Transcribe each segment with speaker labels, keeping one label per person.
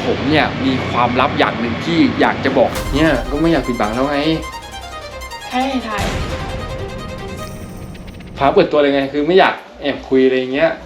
Speaker 1: ผมเนี่ยมีความลับอย่างหนึ่งที่อยากจะบอกเนี่ยก็ไม่อยากปิดบังแล้วไง
Speaker 2: ใช่ถ่าย
Speaker 1: พาเปิดตัวเลยไงคือไม่อยากแอบคุยอะไรเงี้ย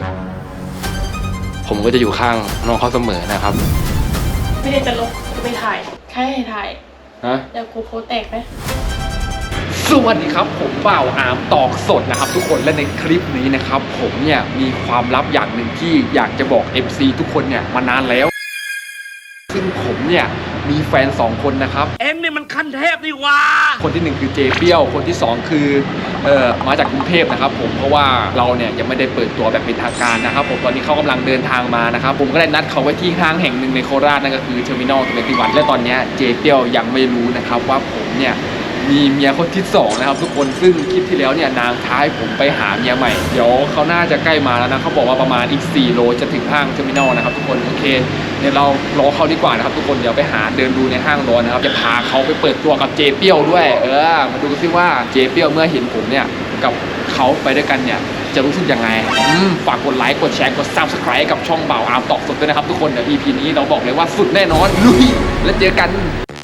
Speaker 1: ผมก็จะอยู่ข้างน้องเขาเสมอนะครับ
Speaker 2: ไม่ได้จะลบจะไปถ่ายใช่ถ่าย
Speaker 1: ฮะ
Speaker 2: เดี๋ยวกูโพสแตกไหม
Speaker 1: สวัสดีครับผมบ่าวอาร์มตอกสดนะครับทุกคนและในคลิปนี้นะครับผมเนี่ยมีความลับอย่างหนึ่งที่อยากจะบอก FC ทุกคนเนี่ยมานานแล้วซึ่งผมเนี่ยมีแฟน2คนนะครับ
Speaker 3: เอ็งนี่มันขั้นเทพนี่ว่า
Speaker 1: คนที่1คือเจเปี้ยวคนที่2คือมาจากกรุงเทพนะครับผมเพราะว่าเราเนี่ยยังไม่ได้เปิดตัวแบบเป็นทางการนะครับผมตอนนี้เขากำลังเดินทางมานะครับผมก็ได้นัดเขาไว้ที่ห้างแห่งหนึ่งในโคราชนั่นก็คือเทอร์มินอล21และตอนนี้เจเปี้ยวยังไม่รู้นะครับว่าผมเนี่ยมีเมียคนที่2นะครับทุกคนซึ่งคลิปที่แล้วเนี่ยนางท้ายผมไปหาเมียใหม่เดี๋ยวเขาน่าจะใกล้มาแล้วนะเขาบอกว่าประมาณอีก4 โลจะถึงห้างเทอร์มินอลนะครับทุกคนโอเคเดี๋ยวเรารอเขาดีกว่านะครับทุกคนเดี๋ยวไปหาเดินดูในห้างรอนะครับจะพาเขาไปเปิดตัวกับเจเปี้ยวด้วยมาดูกันซิว่าเจเปี้ยวเมื่อเห็นผมเนี่ยกับเขาไปด้วยกันเนี่ยจะรู้สึกยังไงฝากกดไลค์กดแชร์กด Subscribe กับช่องบ่าวอาร์มตอกสดด้วยนะครับทุกคนเดี๋ยว EP นี้เราบอกเลยว่าสุดแน่นอนลุยแล้วเจอกัน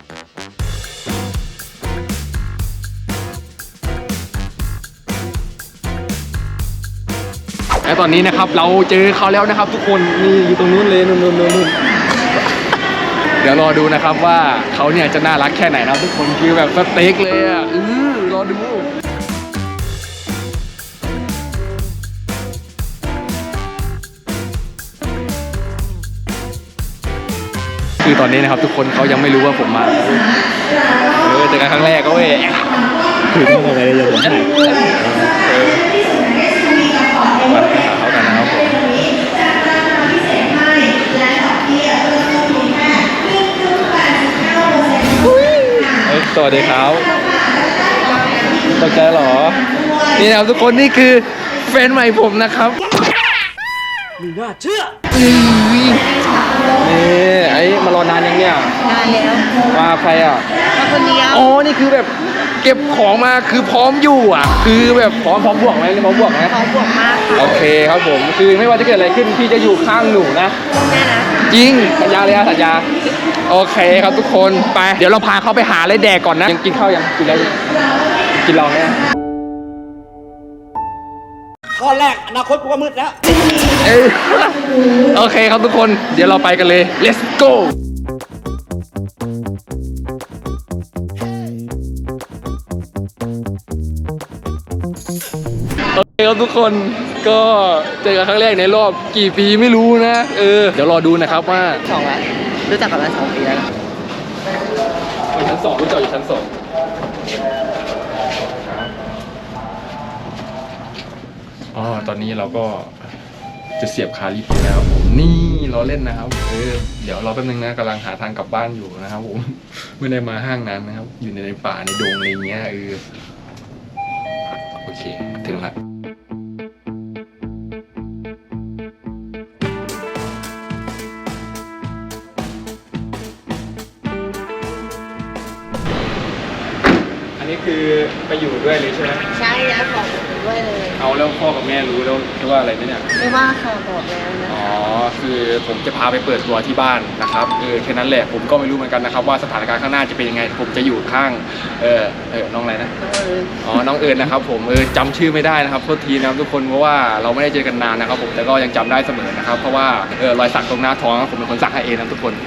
Speaker 1: และตอนนี้นะครับเราเจอเขาแล้วนะครับทุกคนนี่อยู่ตรงนู้นเลยนู่นเดี๋ยวรอดูนะครับว่าเขาเนี่ยจะน่ารักแค่ไหนนะทุกคนคือแบบสเต็กเลยอ่ะรอดูคือตอนนี้นะครับทุกคนเขายังไม่รู้ว่าผมมาเจอกันครั้งแรกก็เว้ย
Speaker 3: คือต้องอะไรเลยผมถ่าย
Speaker 1: มาหาเขากันนะครับผมสวัสดีครับตกใจเหรอนี่นะครับทุกคนนี่คือแฟนใหม่ผมนะครับ
Speaker 3: ไม่น่าเชื่อ
Speaker 1: นี่ไอ้มารอนานยังเนี่ย
Speaker 2: นานแล้ว
Speaker 1: มาใครอ่ะ
Speaker 2: มาคนเดียว
Speaker 1: อ๋อนี่คือแบบเก็บของมาคือพร้อมอยู่อ่ะคือแบบพร้อมบวกไหมพร้อมบวกไหม
Speaker 2: พร้อมบวกมาก
Speaker 1: โอเคครับผมคือไม่ว่าจะเกิดอะไรขึ้นพี่จะอยู่ข้างหนูนะ
Speaker 2: แน่นะ
Speaker 1: จริงสัญญาเลยอะสัญญาโอเคครับทุกคนไปเดี๋ยวเราพาเขาไปหาอะไรแดกก่อนนะยังกินข้าวยังกินแล้วกินลองเนี่ย
Speaker 3: ข้อแรกอนาคตกูก็มืดแล้ว
Speaker 1: โอเคครับทุกคนเดี๋ยวเราไปกันเลย let's goโอเคครับทุกคนก็เจอกันครั้งแรกในรอบกี่ปีไม่รู้นะเดี๋ยวรอดูนะครับว่า
Speaker 2: 2 แล้วรู้จักกันมา2 ปีแล้ว
Speaker 1: อยู่ชั้น 2รู้จักอยู่ชั้น 2ตอนนี้เราก็จะเสียบคาลิปแล้วนี่เราเล่นนะครับเดี๋ยวรอแป๊บนึงนะกำลังหาทางกลับบ้านอยู่นะครับผมไม่ได้มาห้างนั้นนะครับอยู่ในป่าในดงอะไรเงี้ยโอเคถึงละนี่คือไปอยู่ด้วยเลยใช่ไหม
Speaker 2: ใช่แล้วบอกด้วยเลย
Speaker 1: เอาแล้วพ่อกับแม่รู้แล้วว่าอะไรไหมเนี่ย
Speaker 2: ไม่ว่าค่ะบอกแล้วนะ
Speaker 1: คือผมจะพาไปเปิดตัวที่บ้านนะครับแค่นั้นแหละผมก็ไม่รู้เหมือนกันนะครับว่าสถานการณ์ข้างหน้าจะเป็นยังไงผมจะอยู่ข้างน้องอะไรนะน้องเอิญนะครับผมจำชื่อไม่ได้นะครับโทษทีนะครับทุกคนเพราะว่าเราไม่ได้เจอกันนานนะครับผมแต่ก็ยังจำได้เสมอนะครับเพราะว่ารอยสักตรงหน้าท้องผมเป็นคนสักให้เองนะทุกคน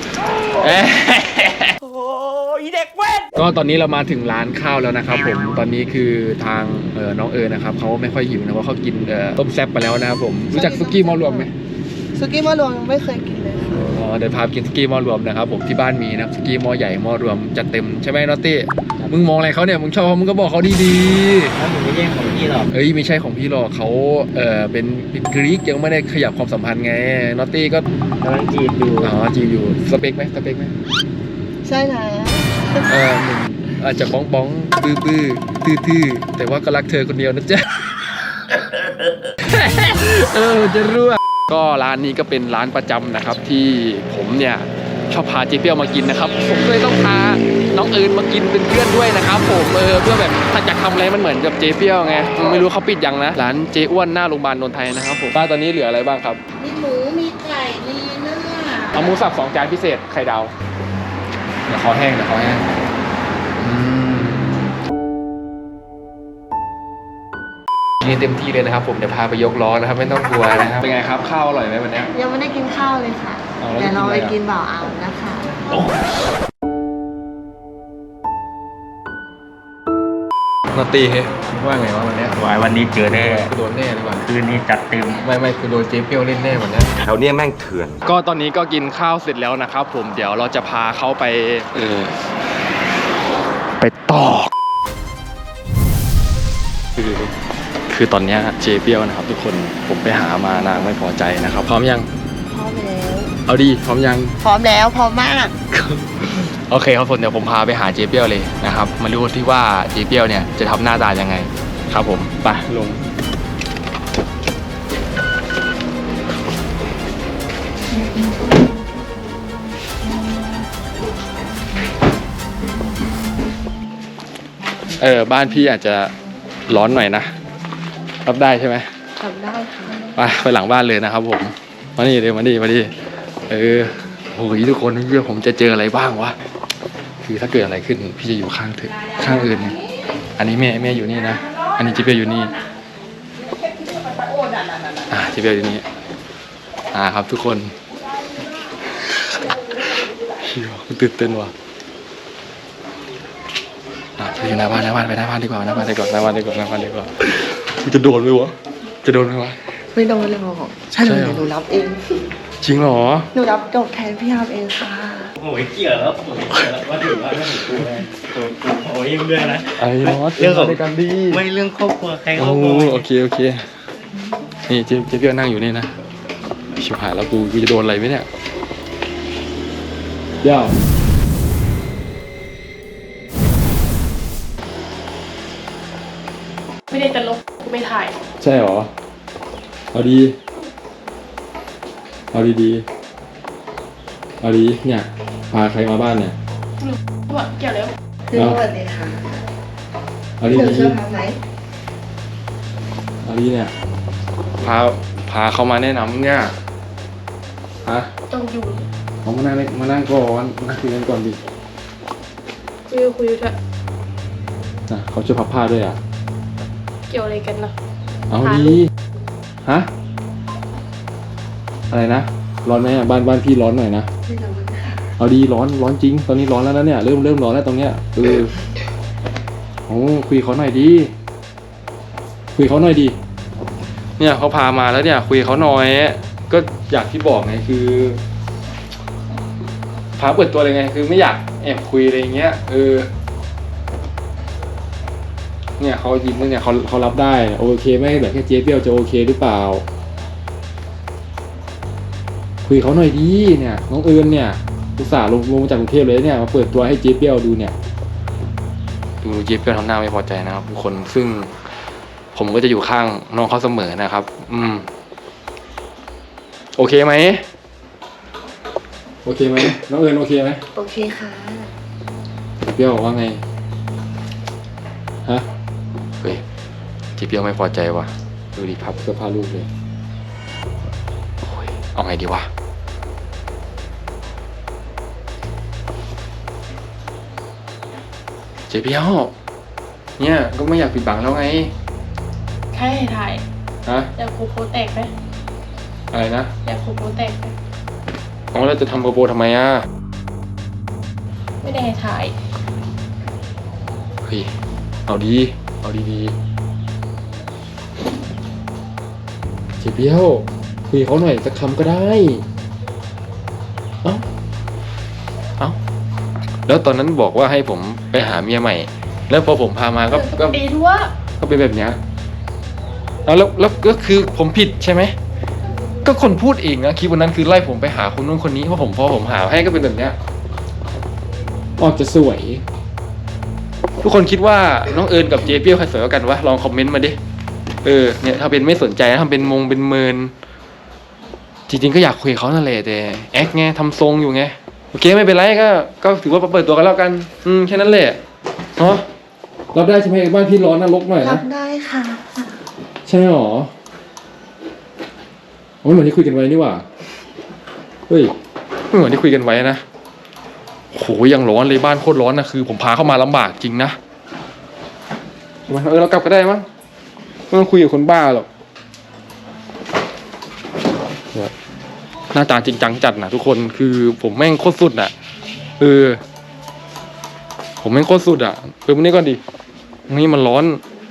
Speaker 3: เด็กเว้น
Speaker 1: ก็ตอนนี้เรามาถึงร้านข้าวแล้วนะครับผมตอนนี้คือทางน้องนะครับเขาไม่ค่อยหิวนะเพราะเขากินต้มแซ่บไปแล้วนะครับผมรู้จักซุกี้หม้อรวมไหม
Speaker 2: ซุกี้หม้อรวมไม่เคยกินเลย
Speaker 1: เดี๋ยวพากินซุกี้หม้อรวมนะครับผมที่บ้านมีนะซุกี้หม้อใหญ่หม้อรวมจัดเต็มใช่ไหมนอตตี้มึงมองอะไรเขาเนี่ยมึงชอบมึงก็บอกเขาดี
Speaker 3: ๆเขาไม่ใช่ของพี่หรอก
Speaker 1: ไม่ใช่ของพี่หรอกเขาเป็นกรีกยังไม่ได้ขยับความสัมพันธ์ไงนอตตี้ก็
Speaker 3: กำลังจีบอยู่
Speaker 1: จีบอยู่สเปคไหม
Speaker 2: ใช่แล้ว
Speaker 1: อาจจะบ้องบื้อตื้อแต่ว่าก็รักเธอคนเดียวนะจ๊ะจะรู้ก็ร้านนี้ก็เป็นร้านประจำนะครับที่ผมเนี่ยชอบพาเจเปี้ยวมากินนะครับผมเลยต้องพาน้องเอิญมากินเป็นเพื่อนด้วยนะครับผมเพื่อแบบถ้าอยากทำอะไรมันเหมือนกับเจเปี้ยวไงไม่รู้เขาปิดยังนะร้านเจอ้วนหน้าโรงพยาบาลนนทไทยนะครับผมป้าตอนนี้เหลืออะไรบ้างครับ
Speaker 2: มีหมูมีไก่มีเนื้อ
Speaker 1: เอาหมูสับ2 จานพิเศษไข่ดาวเดี๋ยวคอแห้งนี่เต็มที่เลยนะครับผมเดี๋ยวพาไปยกล้อนะครับไม่ต้องกลัวนะครับเป็นไงครับข้าวอร่อยไหมวันนี้
Speaker 4: ยังไม่ได้กินข้าวเลยค่ะ
Speaker 1: เอาแล้ว
Speaker 4: เดี๋ยวเราไป
Speaker 1: จะกิ
Speaker 4: กิ
Speaker 1: น
Speaker 4: น
Speaker 1: อะไรอ่ะ
Speaker 4: บ่าวอ่ำนะคะ
Speaker 1: นาตีเฮ้ยว่าไงวะวันนี้
Speaker 3: วันนี้เจอแน่
Speaker 1: โดนแน่ดีกว่า
Speaker 3: คืนนี้จัดเต็ม
Speaker 1: ไม่คือโดนเจ๊เปี้ยวเล่นแน่วันนี้
Speaker 5: แถวเนี้ยแม่งเถื่อน
Speaker 1: ก็ตอนนี้ก็กินข้าวเสร็จแล้วนะครับผมเดี๋ยวเราจะพาเขาไปไปตอกคือตอนนี้เจ๊เปี้ยวนะครับทุกคนผมไปหามานางไม่พอใจนะครับพร้อมยัง
Speaker 4: พร้อมแล้ว
Speaker 1: เอาดีพร้อมยัง
Speaker 4: พร้อมแล้วพร้อมมาก
Speaker 1: โอเคครับผมเดี๋ยวผมพาไปหาเจ๊เปี้ยวเลยนะครับมาดูที่ว่าเจ๊เปี้ยวเนี่ยจะทำหน้าตายังไงครับผมไปลงบ้านพี่อาจจะร้อนหน่อยนะรับได้ใช่ไหม
Speaker 4: ทำได้ค่ะ
Speaker 1: ไปหลังบ้านเลยนะครับผมมานี่เลยมาดิโอ้ยทุกคนเพื่อผมจะเจออะไรบ้างวะคือถ้าเกิดอะไรขึ้นพี่จะอยู่ข้างอื่นอันนี้แม่อยู่นี่นะอันนี้จิ๊บเปียวอยู่นี่จิ๊บเปียวอยู่นี่ครับทุกคนตื่นเต้นว่ะไปอยู่หน้าบ้านไปหน้าบ้านดีกว่าจะโดนไหมวะ
Speaker 4: ไม่โดนเลยหรอกใช่เลยเดี๋ยวหนูรับเอง
Speaker 1: จริงเหรอ
Speaker 4: หนูรับจบแทนพี่อาร์มเองค่ะ
Speaker 3: โอ้ยเกี่ยวแล้วว่าถึงกูเลยโอ้ยยังด้วยนะ
Speaker 1: ไอ้นอต
Speaker 3: เรื่องของ
Speaker 1: ในการดี
Speaker 3: ไม่เรื่องครอบครัวใครคร
Speaker 1: โอ้
Speaker 3: อบครัว
Speaker 1: โอเคนี่เจ๊เปี้ยวนั่งอยู่นี่นะชิบหายแล้วกูจะโดนอะไรไหมเนี่ยย่า
Speaker 2: ไม่ได้จะลบกูไม่ถ่าย
Speaker 1: ใช่เหรอเอาดีเนี่ยพาใครมาบ้านเนี่ย
Speaker 2: ว่าเกี่ยวแล้ว
Speaker 4: คือสวัสดีค่ะ
Speaker 1: เอา
Speaker 4: ห
Speaker 1: ดี
Speaker 4: นูช่วยทำไหม
Speaker 1: เอาดีเนี่ยพาเขามาแนะนำเนี่ยฮะ
Speaker 2: ต้องอยู่
Speaker 1: เขามานั่งก่อนนั่งคุยกันก่อนดิ
Speaker 2: คุยด้วย
Speaker 1: เขาช่วยพับผ้าด้วยอ่ะ
Speaker 2: เกี่ยวอะไรกันนะ
Speaker 1: เอาดีฮะอะไรนะร้อนไหมอ่ะบ้านพี่ร้อนหน่อยนะ
Speaker 4: ไม่รู้ค่ะ
Speaker 1: เอาดีร้อนจริงตอนนี้ร้อนแล้วนะเนี่ยเริ่มร้อนแล้วตรงเนี้ยโอ้คุยเขาหน่อยดีเนี่ยเขาพามาแล้วเนี่ยคุยเขาหน่อยก็อยากที่บอกไงคือพาเปิดตัวเลยไงคือไม่อยากแอบคุยอะไรเงี้ยเนี่ยเขายิ้มเนี่ยเขารับได้โอเคไหมแบบแค่เจ๊เปี้ยวจะโอเคหรือเปล่าคุยเขาหน่อยดีเนี่ยน้องเอิญเนี่ยอุตส่าห์ลงมาจากกรุงเทพเลยเนี่ยมาเปิดตัวให้เจ๊เปี้ยวดูเนี่ยดูเจ๊เปี้ยวทำหน้าไม่พอใจนะครับทุกคนซึ่งผมก็จะอยู่ข้างน้องเขาเสมอนะครับโอเคไหมน้องเอิญโอเคไหม
Speaker 4: โอเคค่ะ
Speaker 1: เจ๊เปี้ยวว่าไงฮะเฮ้ยเจ๊เปี้ยวไม่พอใจว่ะดูดิพับเสื้อผ้าลูกเลยโอ้ยเอาไงดีวะเจ๊เปี้ยวเนี่ยก็ไม่อยากปิดบังแล้วไง
Speaker 2: แค่ให้ถ่าย
Speaker 1: ฮะ
Speaker 2: อยากครูโพแตกไหม
Speaker 1: อะไรนะ
Speaker 2: อยากครูโพแตกไหม
Speaker 1: เราจะทำโปรโปทำไมอ่ะ
Speaker 2: ไม่ได้ให้ถ่าย
Speaker 1: เฮ้ยเอาดีเจ๊เปี้ยวคุยเขาหน่อยสักคำก็ได้เอ้าแล้วตอนนั้นบอกว่าให้ผมไปหาเมียใหม่ แล้วพอผมพามาก็
Speaker 2: ดีทั่ว
Speaker 1: เป็นแบบเนี้ยแล้วก็คือผมผิดใช่ไหมก็คนพูดเองนะคลิปวันนั้นคือไล่ผมไปหาคนนู้นคนนี้เพราะพอผมหาให้ก็เป็นแบบเนี้ยออกจะสวย ทุกคนคิดว่าน้องเอิญกับเจ๊เปี้ยวใครสวยกว่ากันวะลองคอมเมนต์มาดิเนี่ยถ้าเป็นไม่สนใจทำเป็นเป็นเมินจริงๆก็อยากคุยเขานั่นแหละแต่แอคไงทำทรงอยู่ไงโอเคไม่เป็นไรก็ถือว่าเปิดตัวกันแล้วกันแค่นั้นแหละเนาะรับได้ใช่ไหมบ้านพี่ร้อนนะรกหน่อย
Speaker 4: รั
Speaker 1: นะ
Speaker 4: บได้ค่ะ
Speaker 1: ใช่หรอโอ้ยเหมือนที่คุยกันไว้นี่หว่าเฮ้ยไม่เหมือนที่คุยกันไว้นะโหยังร้อนเลยบ้านโคตรร้อนนะคือผมพาเข้ามาลำบากจริงนะเรากลับก็ได้มั้งไม่ต้องคุยกับคนบ้าหรอกหน้าตาจริงจังจัดนะทุกคนคือผมแม่งโคตรสุดอ่ะผมแม่งโคตรสุดอ่ะมานี่ก่อนดินี่มันร้อน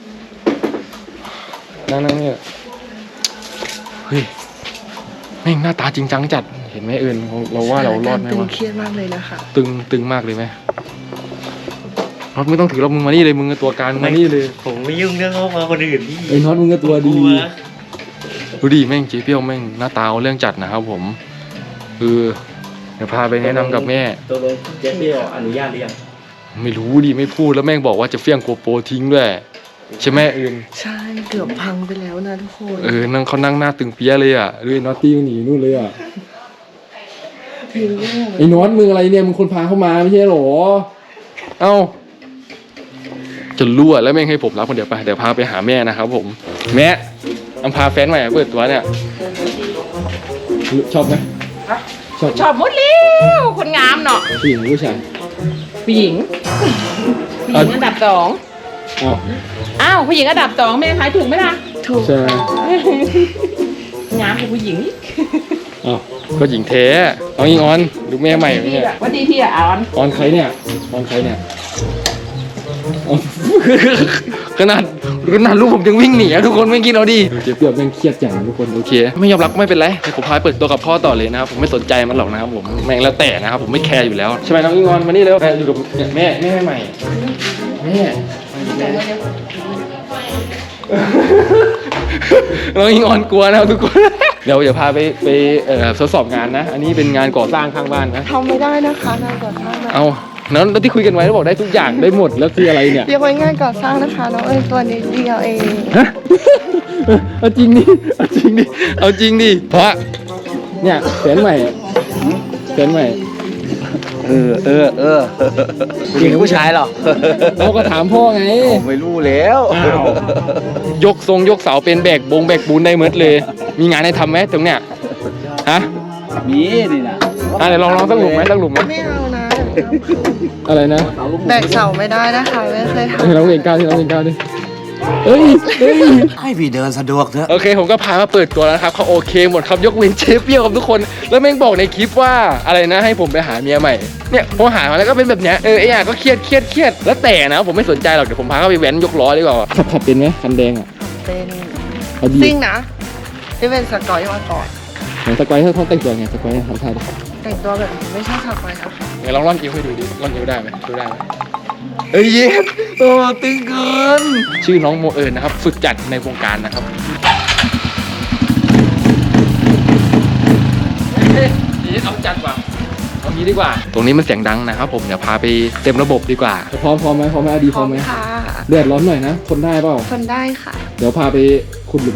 Speaker 1: นั่งเนี่ยเฮ้ยแม่งหน้าตาจริงจังจัดเห็นไหมเราว่าเรารอดไหม
Speaker 4: ตึง
Speaker 1: วะ
Speaker 4: เครียดมากเลยนะคะ
Speaker 1: ตึงมากเลยไหมน็อตไม่ต้องถือเรามึงมานี่เลยมึงกับตัวการมานี่เลย
Speaker 3: ผมไม่ยุ่งเรื่องครอบครัวคนอื่นพี่
Speaker 1: ไอ้น็อตมึงกับตัวดี
Speaker 3: กลัว
Speaker 1: ดูดิแม่งเจ๊เปี้ยวแม่งหน้าตาเอาเรื่องจัดนะครับผมเดี๋ยวพาไปแนะนำกับแม่
Speaker 3: ตัวลงเจ๊เปี้ยวอนุญาตหรือยัง
Speaker 1: ไม่รู้ดิไม่พูดแล้วแม่งบอกว่าจะเฟี้ยงโกโปรทิ้งด้วยใช่ไหม
Speaker 4: ใช่เกือบพังไปแล้วนะทุกคน
Speaker 1: นั่งเขานั่งหน้าตึงเปี้ยเลยอ่ะดูน็อตตี้มันหนีนู่นเลยอ่ะไอ้น็อตมึงอะไรเนี่ยมึงคนพาเข้ามาไม่ใช่หรอเอ้าจะรั่วแล้วแม่งให้ผมรับคนเดียวไปเดี๋ยวพาไปหาแม่นะครับผมแม่พาแฟนใหม่เปิดตัวเนี่ยชอบไหม
Speaker 2: ชอบหมดแล้วคนงามเนาะ
Speaker 1: ผู้หญิงผู้ชาย
Speaker 2: ผู้หญิงอันดับ 2
Speaker 1: อ๋อ
Speaker 2: อ้าวผู้หญิงอันดับ 2แม่ทายถูกไหมล่ะ
Speaker 4: ถูก
Speaker 1: ใช่
Speaker 2: งามกว่าผู้หญิงนี่
Speaker 1: อ๋อก็หญิงแท้เอาอิงออนดูแม่ใหม่
Speaker 2: พี่
Speaker 1: เนี่ย
Speaker 2: อะวันดีพี่อะออน
Speaker 1: ออนใครเนี่ยออนใครเนี่ยอ๋อขนาดลูกผมยังวิ่งหนีอะทุกคนไม่กินเอาดิเจ๊เปียบแม่งเครียดจังทุกคนโอเคไม่ยอมรับไม่เป็นไรผมพาเปิดตัวกับพ่อต่อเลยนะครับผมไม่สนใจมันหรอกนะครับผมแม่งแล้วแต่นะครับผมไม่แคร์อยู่แล้วใช่ไหมน้องอิงออนมานี่เร็วอยู่กับแม่ใหม่แม่น้องอิงออนกลัวนะครับทุกคนเดี๋ยวพาไปทดสอบงานนะอันนี้เป็นงานก่อสร้างข้างบ้านนะ
Speaker 4: ทำไม่ได้นะคะงานก่อสร้างนะ
Speaker 1: เอาแล้วที่คุยกันไว้แล้วบอกได้ทุกอย่างได้หมดแล้วคืออะไรเนี่ย
Speaker 4: เรียกไว้งานก่อสร้างนะคะน้องตัวนี้เดียวเอง
Speaker 1: ฮะเอาจริงดิเอาจริงดิเพราะเนี่ยแฟนใหม่
Speaker 3: ผู้หญิงผู้ชายหรอ
Speaker 1: เราก็ถามพ่อไง
Speaker 3: ผมไม่รู้แล้ว
Speaker 1: ยกเสาเป็นแบกปูนได้หมดเลย มีงานให้ทำไหมตรงเนี้ยฮะ
Speaker 3: มีนี่นะ
Speaker 1: เดี๋ยวลองสักหลุมไหม
Speaker 4: ไม่เอานะ
Speaker 1: อะไรนะ
Speaker 4: แบกเสาไม่ได้นะคะไม่เคยทำ
Speaker 1: ให้น้องเรียนก้าวดิเอ้ย
Speaker 3: ให้พี่เดินสะดวกเถอะ
Speaker 1: โอเคผมก็พามาเปิดตัวแล้วนะครับเขาโอเคหมดครับยกเว้นเชฟเปี้ยวครับทุกคนแล้วแม่งบอกในคลิปว่าอะไรนะให้ผมไปหาเมียใหม่เนี่ยพอหามาแล้วก็เป็นแบบเนี้ยไอ้อย่างก็เครียดแล้วแต่นะผมไม่สนใจหรอกเดี๋ยวผมพาเขาไปแว้นยกล้อดีกว่าขับเป็นไหมคันแดงอ่ะ
Speaker 4: เป็นซิ่งนะที่เป็นสกอยมาก่อน
Speaker 1: ไหนสกอยเขาแต่งตัวไงสกอยทำท่าดิ
Speaker 4: แต่งตัวแบบนี้ไม่ใช่สกอยนะคะ
Speaker 1: ไหนลองร่อนอิ้วให้ดูดิร่อนอิ้วได้ไหมเอ้ยเย็ดโอ้ตึงเกินชื่อน้องโมนะครับฝึกจัดในวงการนะครับเอาจัดว่ะเอางี้ดีกว่าตรงนี้มันเสียงดังนะครับผมเดี๋ยวพาไปเต็มระบบดีกว่าพร้อมไหมดีพร้อมไหม
Speaker 4: ค่ะ
Speaker 1: เดือดร้อนหน่อยนะทนได้เปล่า
Speaker 4: คนได้ค่ะ
Speaker 1: เดี๋ยวพาไปขุดหลุม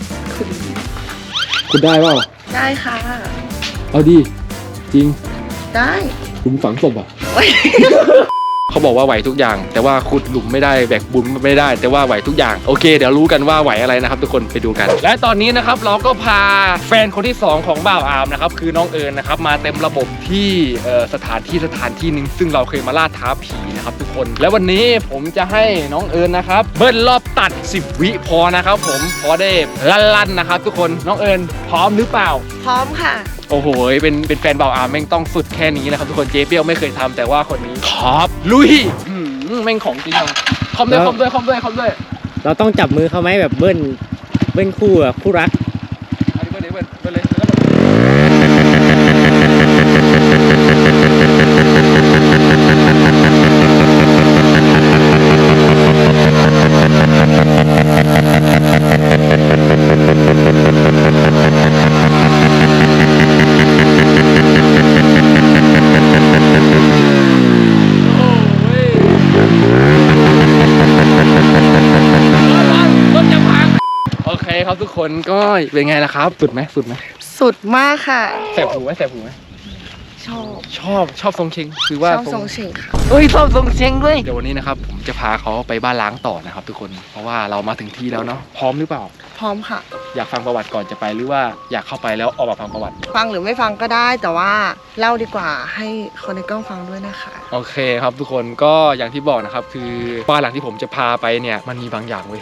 Speaker 1: ขุดได้เปล่า
Speaker 4: ได้ค่ะ
Speaker 1: เอาดีจริง
Speaker 4: ได้
Speaker 1: หลุมฝังศพอ่ะ เขาบอกว่าไหวทุกอย่างแต่ว่าขุดหลุมไม่ได้แบกบุญไม่ได้แต่ว่าไหวทุกอย่างโอเคเดี๋ยวรู้กันว่าไหวอะไรนะครับทุกคนไปดูกันและตอนนี้นะครับเราก็พาแฟนคนที่2ของบ่าวอาร์มนะครับคือน้องนะครับมาเต็มระบบที่สถานที่หนึ่งซึ่งเราเคยมาล่าท้าผีนะครับทุกคนและวันนี้ผมจะให้น้องนะครับเบิ้ลรอบตัด10 วิพอนะครับผมพอได้ลั่นนะครับทุกคนน้องพร้อมหรือเปล่า
Speaker 4: พร้อมค่ะ
Speaker 1: โอ้โหเป็นแฟนบ่าวอาร์มแม่งต้องสุดแค่นี้นะครับทุกคนเจ๊เปี้ยวไม่เคยทำแต่ว่าคนนี้ครับลุยแม่งของจริงอ่ะคอมด้วย
Speaker 3: เราต้องจับมือเขาไหมแบบเบิ้ลคู่อะคู่รัก
Speaker 1: อันนี้เบิ้ลเลยโอเคครับทุกคนก็เป็นไงล่ะครับสุดไหม
Speaker 4: สุดมากค่ะ
Speaker 1: แสบหูไหม
Speaker 4: ชอบ
Speaker 1: ชอบทรงเชงคือว่า
Speaker 4: ชอบทรงเฉงค่ะ
Speaker 1: เฮ้ยชอบทรงเชงด้วยเดี๋ยววันนี้นะครับผมจะพาเขาไปบ้านล้างต่อนะครับทุกคนเพราะว่าเรามาถึงที่แล้วเนาะพร้อมหรือเปล่า
Speaker 4: พร้อมค่ะ
Speaker 1: อยากฟังประวัติก่อนจะไปหรือว่าอยากเข้าไปแล้วออกมาฟังประวัติ
Speaker 4: ฟังหรือไม่ฟังก็ได้แต่ว่าเล่าดีกว่าให้คนในกล้องฟังด้วยนะคะ
Speaker 1: โอเคครับทุกคนก็อย่างที่บอกนะครับคือบ้านหลังที่ผมจะพาไปเนี่ยมันมีบางอย่างเว้ย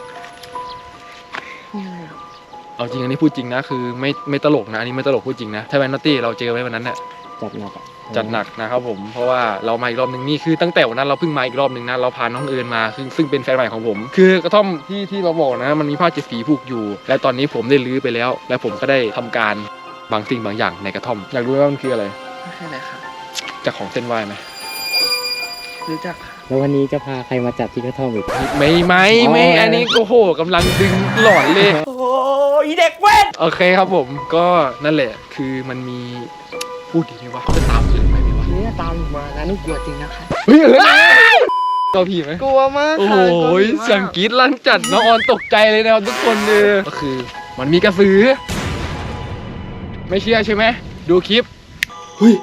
Speaker 1: เอาจริงอันนี้พูดจริงนะคือไม่ตลกนะอันนี้ไม่ตลกพูดจริงนะถ้าแวนนอตตี้เราเจอไว้วันนั้นเนี่ย
Speaker 3: จัดหนักอ่ะ
Speaker 1: จัดหนักนะครับผมเพราะว่าเรามาอีกรอบหนึ่งนี่คือตั้งแต่วันนั้นเราเพิ่งมาอีกรอบหนึ่งนะเราพาน้องเอิญมาซึ่งเป็นแฟนใหม่ของผม คือกระท่อมที่เราบอกนะมันมีผ้าเจ็ดสีผูกอยู่ และตอนนี้ผมได้รื้อไปแล้ว และผมก็ได้ทำการบางสิ่งบางอย่างในกระท่อมอยากรู้ไหมว่ามันคืออะไร
Speaker 4: ไม่ใช่อะไรค่ะ
Speaker 1: จากของเส้นไหว้ไหม
Speaker 4: รู้จักค่ะ
Speaker 3: แล้ววันนี้จะพาใครมาจัดที่กระท่อมอีก
Speaker 1: ไม่อันนี้โอ้โหกำลังดึงหลอนเลย
Speaker 4: โอ้ยเด็กเว้น
Speaker 1: โอเคครับผมก็นั่นแหละคือมันมีพูดดีไหมวะจะตามเอิญไปไหมวะ
Speaker 4: นี่ตามหนูมานะหนูกลัวจริงนะคะ
Speaker 1: เฮ้ยเอิญเราผีไหม
Speaker 4: กลัวมาก
Speaker 1: โอ้
Speaker 4: ค่ะ
Speaker 1: โห
Speaker 4: กลัวผีมาก
Speaker 1: เสียงกรี๊ดลั่นจัดน้องออนตกใจเลยนะครับทุกคนเลยก็คือมันมีกระสือ ไม่เชื่อใช่ไหมดูคลิปเฮ้ย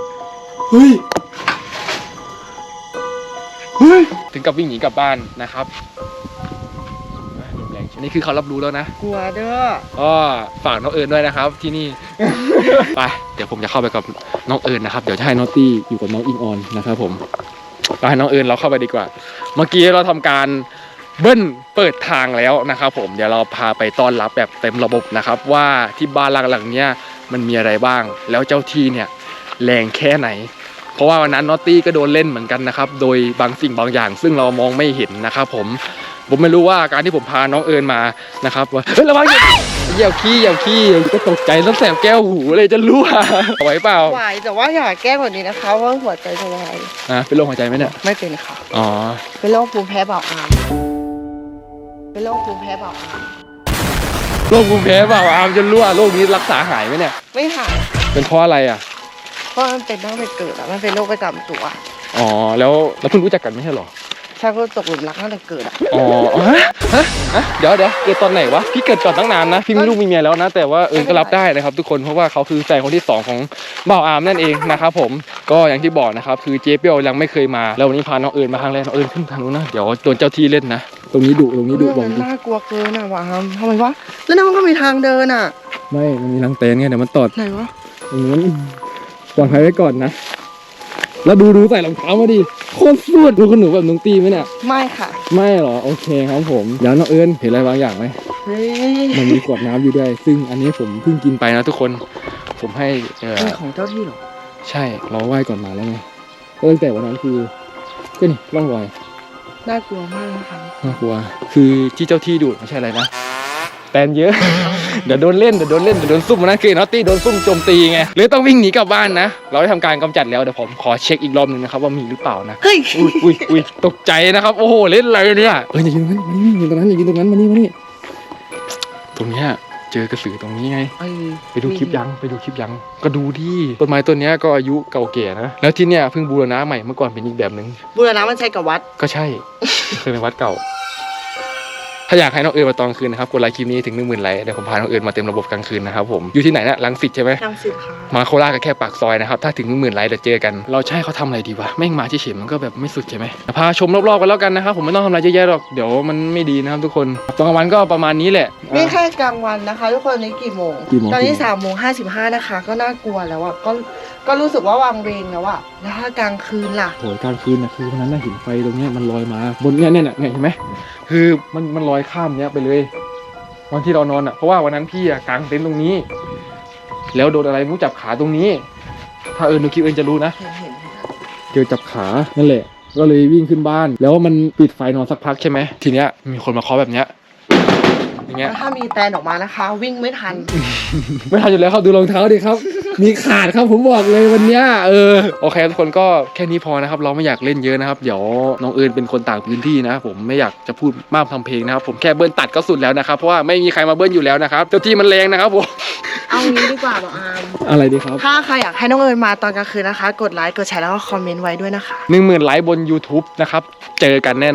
Speaker 1: ถึงกับวิ่งหนีกลับบ้านนะครับลมแรงนี่คือเขารับรู้แล้วนะ
Speaker 4: กลัวเด้อ
Speaker 1: ก็ฝากน้องเอิญด้วยนะครับที่นี่ ไปเดี๋ยวผมจะเข้าไปกับน้องเอิญนะครับเดี๋ยวจะให้น้องตี้อยู่กับน้องอิงออนนะครับผมไปให้น้องเอิญเราเข้าไปดีกว่า เมื่อกี้เราทำการเบิ้ลเปิดทางแล้วนะครับผมเดี๋ยวเราพาไปต้อนรับแบบเต็มระบบนะครับว่าที่บ้านหลังเนี้ยมันมีอะไรบ้างแล้วเจ้าที่เนี่ยแรงแค่ไหน เพราะว่าวันนั้นนอตตี้ก็โดนเล่นเหมือนกันนะครับโดยบางสิ่งบางอย่างซึ่งเรามองไม่เห็นนะครับผมไม่รู้ว่าการที่ผมพาน้องเอิญมานะครับว่าเฮ้ยระวังเหยียบขี้ก็ตกใจแล้วแสบแก้วหูเลยจะรั่วไหวเปล่า
Speaker 4: ไหวแต่ว่าอย่าแก้กว่านี้นะคะเพราะหัวใจจะวาย
Speaker 1: เป็นโรคหัวใจไหมเนี่ย
Speaker 4: ไม่เป็นค่ะ
Speaker 1: อ๋อ
Speaker 4: เป็นโรคภูมิแพ้เบาอามเป็นโรคภูมิแพ้เบาอาม
Speaker 1: โรคภูมิแพ้เปล่าอามจะรั่วโรคนี้รักษาหายไหมเนี่ย
Speaker 4: ไม่หาย
Speaker 1: เป็นเพราะอะไรอ่ะ
Speaker 4: เพราะมันเป็นตั้งแต่เกิดอะมันเป็นโรคประจำตัว
Speaker 1: อ๋อแล้วเพิ่งรู้จักกันไม่ใช่หรอ
Speaker 4: ใช่เพราะตกหลุมรักตั้งแต่เกิดอะ
Speaker 1: อ๋อฮะเดี๋ยวเกิดตอนไหนวะพี่เกิดก่อนตั้งนานนะพี่มีลูกมีเมียแล้วนะแต่ว่าเอิญก็รับได้นะครับทุกคนเพราะว่าเขาคือแฟนคนที่สองของบ่าวอามนั่นเองนะครับผมก็อย่างที่บอกนะครับคือเจ๊เปียวยังไม่เคยมาแล้ววันนี้พาน้องเอิญมาครั้งแรกน้องเอิญขึ้นทางนู้นนะเดี๋ยวโดนเจ้าที่เล่นนะตรงนี้ดุบอก
Speaker 4: มัน
Speaker 1: จริง
Speaker 4: น่ากลัวเกินอะวะทำไมวะแล้วนั่นมันก็มีทางเดินอะ
Speaker 1: ไม่มันมีทางเต็นไงเดี๋ยวมันตอด
Speaker 4: ไหนวะ
Speaker 1: ตรงนั้นปลอดภัยไว้ก่อนนะแล้วดูใส่รองเท้ามาดิโคตรสุดดูขนหนูแบบน้องตีไหมเนี่ย
Speaker 4: ไม่ค่ะ
Speaker 1: ไม่หรอโอเคครับผมเดี๋ยวน้องเอิญเห็นอะไรบางอย่างไหม
Speaker 4: เฮ้ย
Speaker 1: มันมีขวดน้ำอยู่ด้วยซึ่งอันนี้ผมเพิ่งกินไปนะทุกคนผมให้
Speaker 4: เป็นของเจ้าที่เหรอ
Speaker 1: ใช่เราไหว้ก่อนมาแล้วไงก็ตั้งแต่วันนั้นคือก็นี่ร่องรอย
Speaker 4: น่ากลัวมากนะคะ
Speaker 1: น่ากลัวคือที่เจ้าที่ดูดไม่ใช่อะไรนะแตนเยอะ เดี๋ยวโดนเล่นเดี๋ยวโดนซุ่มนะคือนอตตี้โดนซุ่มโจมตีไงหรือต้องวิ่งหนีกลับบ้านนะเราได้ทำการกำจัดแล้วเดี๋ยวผมขอเช็คอีกรอบนึงนะครับว่ามีหรือเปล่านะ
Speaker 4: เฮ้ย
Speaker 1: อุ้ยตกใจนะครับโอ้โหเล่นอะไรเนี่ยอย่ายืนตรงนั้นอย่ายืนตรงนั้นอย่ายืนตรงนั้นมานี่ตรงเนี้ยเจอกระสือตรงนี้ไงไปดูคลิปยังก็ดูดิต้นไม้ต้นเนี้ยก็อายุเก่าแก่นะแล้วที่เนี้ยเพิ่งบูรณะใหม่เมื่อก่อนเป็นอีกแบบนึง
Speaker 4: บูรณะมันใช้กับวัด
Speaker 1: ก็ใช่ เคยเป็นวัดเก่า ถ้าอยากให้น้องเอิญมาตอนกลางคืนนะครับกดไลค์คลิปนี้ถึง 10,000 ไลค์เดี๋ยวผมพาน้องเอิญมาเต็มระบบกลางคืนนะครับผมอยู่ที่ไหนนะรังสิตใช่ไหม
Speaker 4: รังสิตค่ะ
Speaker 1: มาโคราชก็แค่ปากซอยนะครับถ้าถึง 10,000 ไลค์เดี๋ยวเจอกันเราใช่เขาทำอะไรดีวะแม่งมาเฉยๆมันก็แบบไม่สุดใช่ไหมพาชมรอบๆกันแล้วกันนะครับผมไม่ต้องทำอะไรเยอะแยะหรอกเดี๋ยวมันไม่ดีนะครับทุกคนตอนกลางวันก็ประมาณนี้แหละ
Speaker 4: นี่แค่กลางวันนะคะทุกคนนี้กี่โมง ตอนนี้3:55นะคะก็น่ากลัวแล้วอ่ะก็รู้สึกว่าวังเวงแล้วอ่ะแล้วถ้ากลางคืนล่ะ
Speaker 1: โหยกลางคืนนะคือวันนั้นน่ะเห็นไฟตรงเนี้ยมันลอยมาบนเนี่ยเห็นไหมคือมันลอยข้ามเนี้ยไปเลยวันที่เรานอนอ่ะเพราะว่าวันนั้นพี่อ่ะกางเต็นท์ตรงนี้ แล้วโดนอะไรไมูจับขาตรงนี้ ถ้าดูคลิปจะรู้นะ
Speaker 4: เห็น
Speaker 1: เจอจับขานั่นแหละก็เลยวิ่งขึ้นบ้านแล้วมันปิดไฟนอนสักพักใช่ไหมทีเนี้ยมีคนมาเคาะแบบเนี้ยอย่างเงี้ย
Speaker 4: แล้วถ้ามีแตนออกมานะคะ วิ่งไม่ทัน
Speaker 1: ไม่ทันอยู่แล้วครับดูรองเท้าดิครับ มีขาดครับผมบอกเลยวันเนี้ยโอเคทุกคนก็แค่นี้พอนะครับเราไม่อยากเล่นเยอะนะครับเดี๋ยวน้องเอิญเป็นคนต่างพื้นที่นะผมไม่อยากจะพูดมากทำเพลงนะครับผมแค่เบิ้ลตัดก็สุดแล้วนะครับเพราะว่าไม่มีใครมาเบิ้ลอยู่แล้วนะครับเจ้าที่มันแรงนะครับผม
Speaker 4: เอางี้ดีกว่าบอกอาม
Speaker 1: อะไรดีครับ
Speaker 4: ถ้าใครอยากให้น้องเอิญมาตอนกลางคืนนะคะ กดไลค์กดแชร์แล้วก็คอมเมนต์ไว้ด้วยนะคะ
Speaker 1: 10,000 ไลค์บน YouTube นะครับเจอกันแน่นอน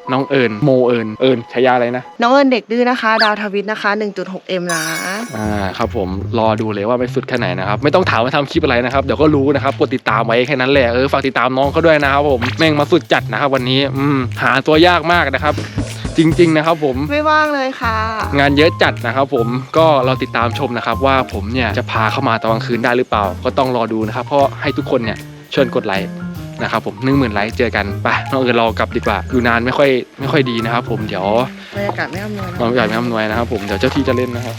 Speaker 1: น้องเอิญโมเอิญฉายาอะไรนะ
Speaker 4: น้องเอิญเด็กดื้อนะคะ ดาวทวิตนะคะ 1.6M นะ
Speaker 1: ครับผมรอดูเลยว่าไปสุดแค่ไหนนะครับไม่ต้องถามว่าทำคลิปอะไรนะครับเดี๋ยวก็รู้นะครับกดติดตามไว้แค่นั้นแหละฝากติดตามน้องเขาด้วยนะครับผมแม่งมาสุดจัดนะครับวันนี้หาตัวยากมากนะครับจริงๆนะครับผม
Speaker 4: ไม่ว่างเลยค่ะ
Speaker 1: งานเยอะจัดนะครับผมก็เราติดตามชมนะครับว่าผมเนี่ยจะพาเข้ามาตอนกลางคืนได้หรือเปล่าก็ต้องรอดูนะครับเพราะให้ทุกคนเนี่ยช่วยกดไลค์นะครับผม 10,000 ไลค์เจอกันไปน้องเอิญรอกลับดีกว่าอยู่นานไม่ค่อยดีนะครับผมเดี๋ยว
Speaker 4: บรรยากาศไม่อำนวย
Speaker 1: บรรยากาศไม่อำนวยนะครับผมเดี๋ยวเจ้าที่จะเล่นนะครับ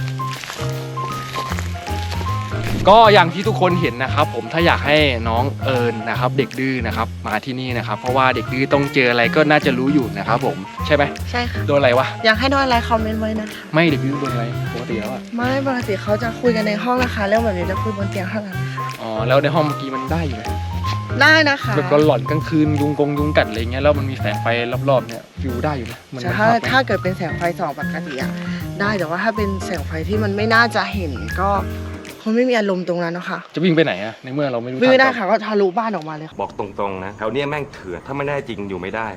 Speaker 1: ก็อย่างที่ทุกคนเห็นนะครับผมถ้าอยากให้น้องเอิญนะครับเด็กดื้อนะครับมาที่นี่นะครับเพราะว่าเด็กดื้อต้องเจออะไรก็น่าจะรู้อยู่นะครับผมใช่ไหม
Speaker 4: ใช่ค่ะ
Speaker 1: โดนอะไรวะ
Speaker 4: อยากให้โดนอะไรคอมเมนต์ไว้นะคะ
Speaker 1: ไม่เด็กดื้อโดนอะไรปกติแล้วอะ
Speaker 4: ไม่ปกติเขาจะคุยกันในห้องนะคะเรื่องแบบนี้จะคุยบนเตียงเท่านั้นค่ะ
Speaker 1: อ๋อแล้วในห้องเมื่อกี้มันได้อยู่ไหม
Speaker 4: ได้นะคะ
Speaker 1: แบบหลอนกลางคืนยุงกัดอะไรเงี้ยแล้วมันมีแสงไฟรอบๆเนี่ยฟิวได้อยู่นะมัน
Speaker 4: ถ้าเกิดเป็นแสงไฟส่องปกติอะได้แต่ว่าถ้าเป็นแสงไฟที่มันไม่น่าจะเห็นก็คงไม่มีอารมณ์ตรงนั้นเนาะค่ะ
Speaker 1: จะวิ่งไปไหนอะในเมื่อเราไม่รู้
Speaker 4: วิ่งไม่ได้
Speaker 1: ทาง
Speaker 4: ค่ะก็ทะลุบ้านออกมาเลยค่ะ
Speaker 5: บอกตรงๆนะแถวเนี้ยแม่งเถื่อนถ้าไม่แน่จริงอยู่ไม่ได้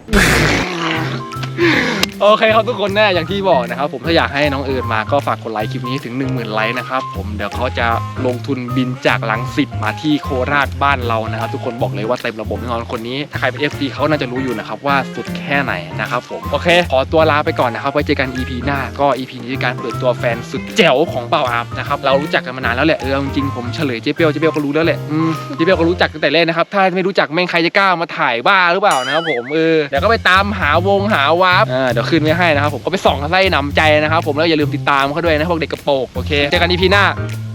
Speaker 1: โอเคครับทุกคนแน่อย่างที่บอกนะครับผมถ้าอยากให้น้องเอิญมาก็ฝากกดไลค์คลิปนี้ถึง 10,000 ไลค์นะครับผมเดี๋ยวเขาจะลงทุนบินจากรังสิตมาที่โคราชบ้านเรานะครับทุกคนบอกเลยว่าเต็มระบบแน่นอนคนนี้ถ้าใครเป็น FC เขาน่าจะรู้อยู่นะครับว่าสุดแค่ไหนนะครับผมโอเคขอตัวลาไปก่อนนะครับไว้เจอกัน EP หน้าก็ EP นี้คือการเปิดตัวแฟนสุดแจ๋วของเป่าอาบนะครับเรารู้จักกันมานานแล้วแหละจริงๆผมเฉลยเจ๊เปียวก็รู้แล้วแหละเจ๊เปียวก็รู้จักตั้งแต่แรกนะครับถ้าไม่รู้จักแม่งใครจะกล้ามาถ่ายบ้าหรือเปล่านะครับผมเดี๋ยวก็ไปตามหาวาร์ปเดี๋ยวขึ้นไว้ให้นะครับผมก็ไปส่องไส้หนำใจนะครับผมแล้วอย่าลืมติดตามเขาด้วยนะพวกเด็กกระโปรงโอเคเจอกัน EP หน้า